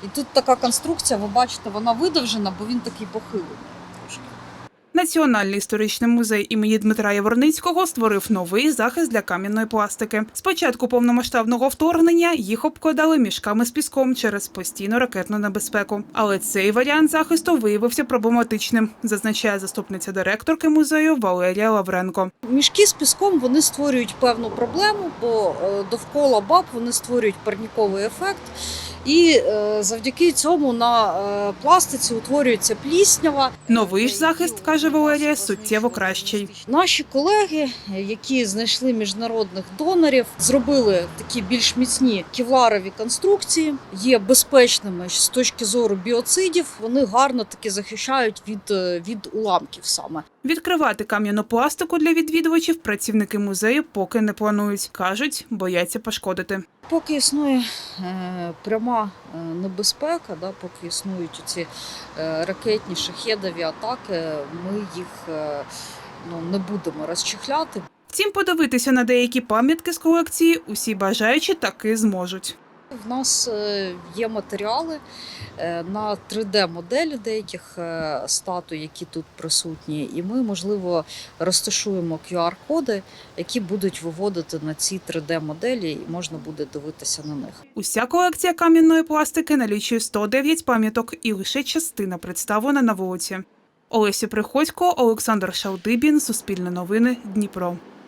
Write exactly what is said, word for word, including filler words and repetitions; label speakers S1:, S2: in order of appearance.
S1: І тут така конструкція, ви бачите, вона видовжена, бо він такий похилений трошки.
S2: Національний історичний музей імені Дмитра Яворницького створив новий захист для кам'яної пластики. З початку повномасштабного вторгнення їх обкладали мішками з піском через постійну ракетну небезпеку. Але цей варіант захисту виявився проблематичним, зазначає заступниця директорки музею Валерія Лавренко.
S1: Мішки з піском, вони створюють певну проблему, бо довкола баб вони створюють парніковий ефект. І завдяки цьому на пластиці утворюється пліснява.
S2: Новий ж захист, каже Валерія, суттєво кращий.
S1: Наші колеги, які знайшли міжнародних донорів, зробили такі більш міцні кевларові конструкції, є безпечними з точки зору біоцидів, вони гарно таки захищають від, від уламків саме.
S2: Відкривати кам'яну пластику для відвідувачів працівники музею поки не планують. Кажуть, бояться пошкодити.
S1: Поки існує е, пряма е, небезпека, да, поки існують ці е, ракетні, шахедові атаки, ми їх е, ну, не будемо розчехляти.
S2: Втім, подивитися на деякі пам'ятки з колекції усі бажаючі таки зможуть.
S1: В нас є матеріали на три де-моделі деяких статуй, які тут присутні, і ми, можливо, розташуємо ку ар-коди, які будуть виводити на ці три де-моделі, і можна буде дивитися на них.
S2: Уся колекція кам'яної пластики налічує сто дев'ять пам'яток, і лише частина представлена на вулиці. Олеся Приходько, Олександр Шалдибін, Суспільне новини, Дніпро.